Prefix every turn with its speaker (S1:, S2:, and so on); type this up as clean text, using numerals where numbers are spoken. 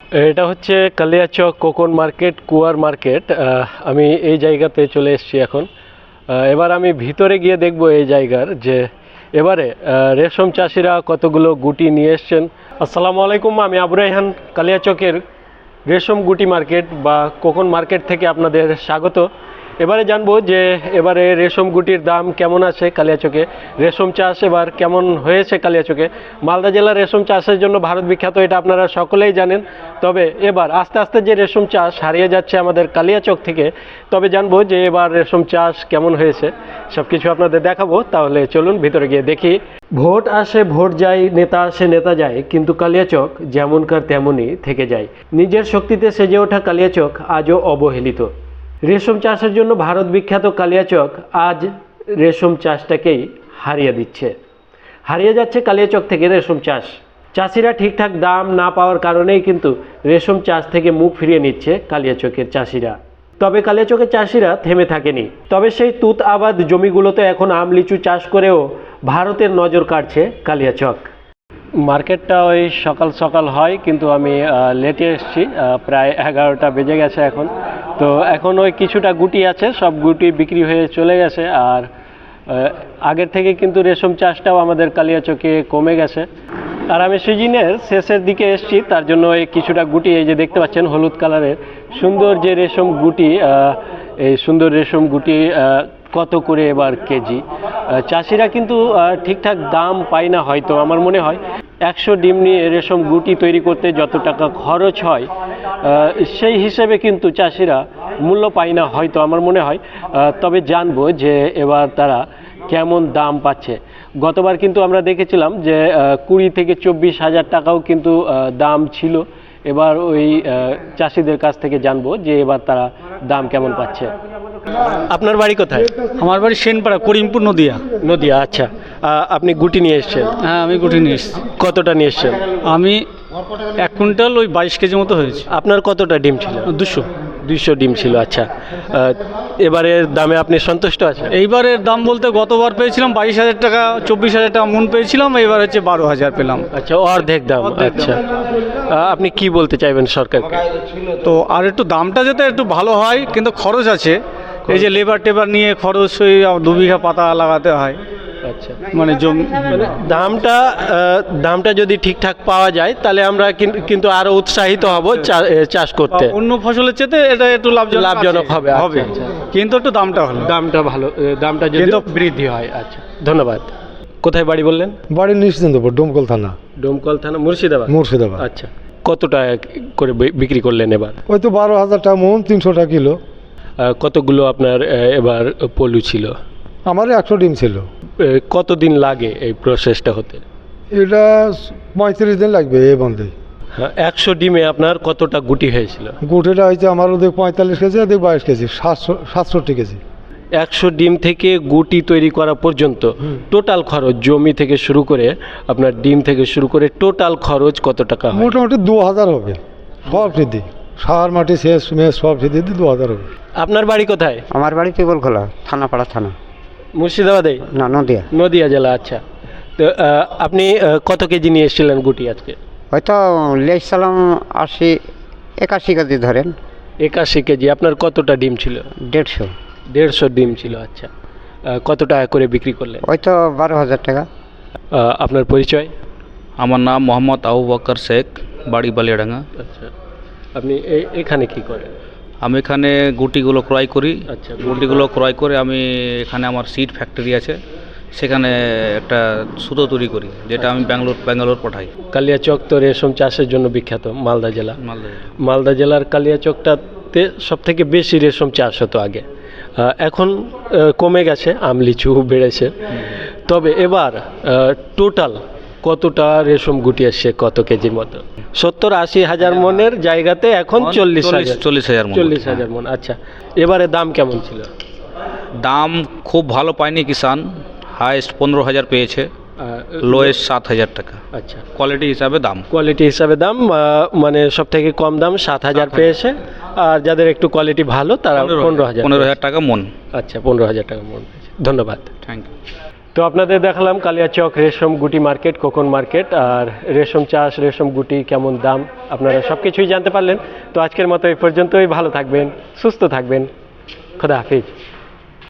S1: এটা হচ্ছে কালিয়াচক কোকন মার্কেট, কুয়ার মার্কেট। আমি এই জায়গাতে চলে এসেছি এখন। এবার আমি ভিতরে গিয়ে দেখব এই জায়গার যে এবারে রেশম চাষিরা কতগুলো গুটি নিয়ে এসছেন। আসসালামু আলাইকুম, আমি আবু রায়হান কালিয়াচকের রেশম গুটি মার্কেট বা কোকন মার্কেট থেকে আপনাদের স্বাগত। এবারে জানবো যে এবারে রেশম গুটির দাম কেমন আছে কালিয়াচকে, রেশম চাষ এবার কেমন হয়েছে কালিয়াচকে। মালদা জেলার রেশম চাষের জন্য ভারত বিখ্যাত, এটা আপনারা সকলেই জানেন। তবে এবার আস্তে আস্তে যে রেশম চাষ হারিয়ে যাচ্ছে আমাদের কালিয়াচক থেকে, তবে জানবো যে এবার রেশম চাষ কেমন হয়েছে, সব কিছু আপনাদের দেখাবো। তাহলে চলুন ভিতরে গিয়ে দেখি। ভোট আসে ভোট যায়, নেতা আসে নেতা যায়, কিন্তু কালিয়াচক যেমনকার তেমনই থেকে যায়। নিজের শক্তিতে সেজে ওঠা কালিয়াচক আজও অবহেলিত। রেশম চাষের জন্য ভারত বিখ্যাত কালিয়াচক আজ রেশম চাষটাকেই হারিয়ে দিচ্ছে। হারিয়ে যাচ্ছে কালিয়াচক থেকে রেশম চাষ। চাষিরা ঠিকঠাক দাম না পাওয়ার কারণেই কিন্তু রেশম চাষ থেকে মুখ ফিরিয়ে নিচ্ছে কালিয়াচকের চাষিরা। তবে কালিয়াচকের চাষিরা থেমে থাকেনি। তবে সেই তুত আবাদ জমিগুলোতে এখন আম লিচু চাষ করেও ভারতের নজর কাড়ছে কালিয়াচক। মার্কেটটা ওই সকাল সকাল হয়, কিন্তু আমি লেটে এসেছি, প্রায় 11টা বেজে গেছে এখন। তো এখন ওই কিছুটা গুটি আছে, সব গুটি বিক্রি হয়ে চলে গেছে। আর আগের থেকে কিন্তু রেশম চাষটাও আমাদের কালিয়াচকে কমে গেছে। আর আমি সিজনের শেষের দিকে এসেছি, তার জন্য এই কিছুটা গুটি, এই যে দেখতে পাচ্ছেন হলুদ কালারের সুন্দর যে রেশম গুটি, এই সুন্দর রেশম গুটি কত করে এবার কেজি। চাষিরা কিন্তু ঠিকঠাক দাম পায় না হয়তো। আমার মনে হয় 100 ডিম নিয়ে রেশম গুটি তৈরি করতে যত টাকা খরচ হয়, সেই হিসেবে কিন্তু চাষিরা মূল্য পায় না হয়তো, আমার মনে হয়। তবে জানবো যে এবার তারা কেমন দাম পাচ্ছে। গতবার কিন্তু আমরা দেখেছিলাম যে 20 থেকে 24 হাজার টাকাও কিন্তু দাম ছিল। এবার ওই চাষিদের কাছ থেকে জানবো যে এবার তারা দাম কেমন পাচ্ছে। আপনার বাড়ি কোথায়?
S2: আমার বাড়ি সেনপাড়া, করিমপুর, নদিয়া।
S1: নদিয়া, আচ্ছা। আপনি গুটি নিয়ে এসছেন?
S2: হ্যাঁ, আমি গুটি নিয়ে এসেছি।
S1: কতটা নিয়ে এসছেন?
S2: আমি 1 কুইন্টাল ওই 22 কেজি মতো হয়েছে।
S1: আপনার কতটা ডিম ছিল? 200 ডিম ছিল, আচ্ছা। এবারের দামে আপনি সন্তুষ্ট আছেন?
S2: এইবারের দাম বলতে গতবার পেয়েছিলাম 22,000 টাকা, 24,000 টাকা মন পেয়েছিলাম, এবার হচ্ছে 12,000 পেলাম।
S1: আচ্ছা, অর্ধেক দাম। আচ্ছা, আপনি কি বলতে চাইবেন সরকারকে?
S2: তো আর একটু দামটা যাতে একটু ভালো হয়, কিন্তু খরচ আছে। এই যে লেবার টেবার নিয়ে খরচ, ওই 2 বিঘা পাতা লাগাতে হয়।
S1: আচ্ছা,
S2: মানে
S1: দামটা যদি ঠিকঠাক পাওয়া যায় তাহলে আমরা কিন্তু আরো উৎসাহিত হব চাষ করতে।
S2: অন্য ফসলের চেয়ে এটা একটু
S1: লাভজনক হবে।
S2: আচ্ছা। কিন্তু একটু দামটা ভালো,
S1: দামটা যদি বৃদ্ধি হয়। আচ্ছা, ধন্যবাদ। কোথায় বাড়ি বললেন?
S3: বাড়ি নিশ্চিন্তপুর, ডোমকল থানা।
S1: ডোমকল থানা, মুর্শিদাবাদ। আচ্ছা, কত টাকা করে বিক্রি করলেন এবার?
S3: ওই তো 12,000 টাকা মন, 300 টাকা কিলো।
S1: কতগুলো আপনার এবার পলু ছিল?
S3: আমার 100 ডিম ছিল।
S1: কতদিন লাগে এই প্রসেসটা হতে?
S3: এটা 35 দিন লাগবে এই বন্ধে।
S1: হ্যাঁ, 100 ডিমে আপনার কতটা গুটি হয়েছিল?
S3: গুটিটা হয়েছে আমার ওদের 45 কেজি, ওদের 22 কেজি, 67 কেজি।
S1: 100 ডিম থেকে গুটি তৈরি করা পর্যন্ত টোটাল খরচ, জমি থেকে শুরু করে আপনার ডিম থেকে শুরু করে টোটাল খরচ কত টাকা হয়?
S3: মোটামুটি 2,000 হবে, সব ফ্রিদি, সার মাটি শেষ মেষ সব ফ্রিদি 2,000 হবে।
S1: আপনার বাড়ি কোথায়?
S4: আমার বাড়ি পিপলখোলা, থানাপাড়া থানা।
S1: মুর্শিদাবাদে?
S4: না, নদিয়া।
S1: নদিয়া জেলা, আচ্ছা। তো আপনি কত কেজি নিয়ে এসেছিলেন গুটি আজকে?
S4: হয়তো লেসালাম 81 কেজি ধরেন।
S1: 81 কেজি। আপনার কতটা ডিম ছিল? 150 ডিম ছিল, আচ্ছা। কত টাকা করে বিক্রি করলেন?
S4: হয়তো 12,000 টাকা।
S1: আপনার পরিচয়?
S5: আমার নাম মোহাম্মদ আবু বকর শেখ, বাড়ি বালিয়াডাঙ্গা।
S1: আচ্ছা, আপনি এখানে কি করেন?
S5: আমি এখানে গুটিগুলো ক্রয় করি।
S1: আচ্ছা,
S5: গুটিগুলো ক্রয় করে আমি এখানে আমার সিড ফ্যাক্টরি আছে, সেখানে একটা সুতো তৈরি করি, যেটা আমি ব্যাঙ্গালোর পাঠাই।
S1: কালিয়াচক তো রেশম চাষের জন্য বিখ্যাত, মালদা জেলা। মালদা জেলার কালিয়াচকটাতে সব থেকে বেশি রেশম চাষ হতো আগে। এখন কমে গেছে, আম লিচু বেড়েছে। তবে এবার টোটাল কতটা রেশম গুটি আসছে, কত কেজির মতো? 70-80 হাজার মনের জায়গাতে এখন 40 হাজার মন। আচ্ছা, এবারে দাম কেমন ছিল?
S5: দাম খুব ভালো পায়নি কিষান, হাইস্ট 15,000 পেয়েছে, লোয়েস্ট 7,000 টাকা।
S1: আচ্ছা,
S5: কোয়ালিটি হিসাবে দাম, মানে সব থেকে কম দাম 7,000 পেয়েছে, আর যাদের একটু কোয়ালিটি ভালো তারা 15,000 টাকা মন।
S1: আচ্ছা, 15,000 টাকা মন। ধন্যবাদ।
S5: Thank you.
S1: তো আপনাদের দেখালাম কালিয়াচক রেশম গুটি মার্কেট, কোকন মার্কেট, আর রেশম চাষ, রেশম গুটি কেমন দাম, আপনারা সব কিছুই জানতে পারলেন। তো আজকের মতো এই পর্যন্তই। ভালো থাকবেন, সুস্থ থাকবেন, খোদা হাফিজ।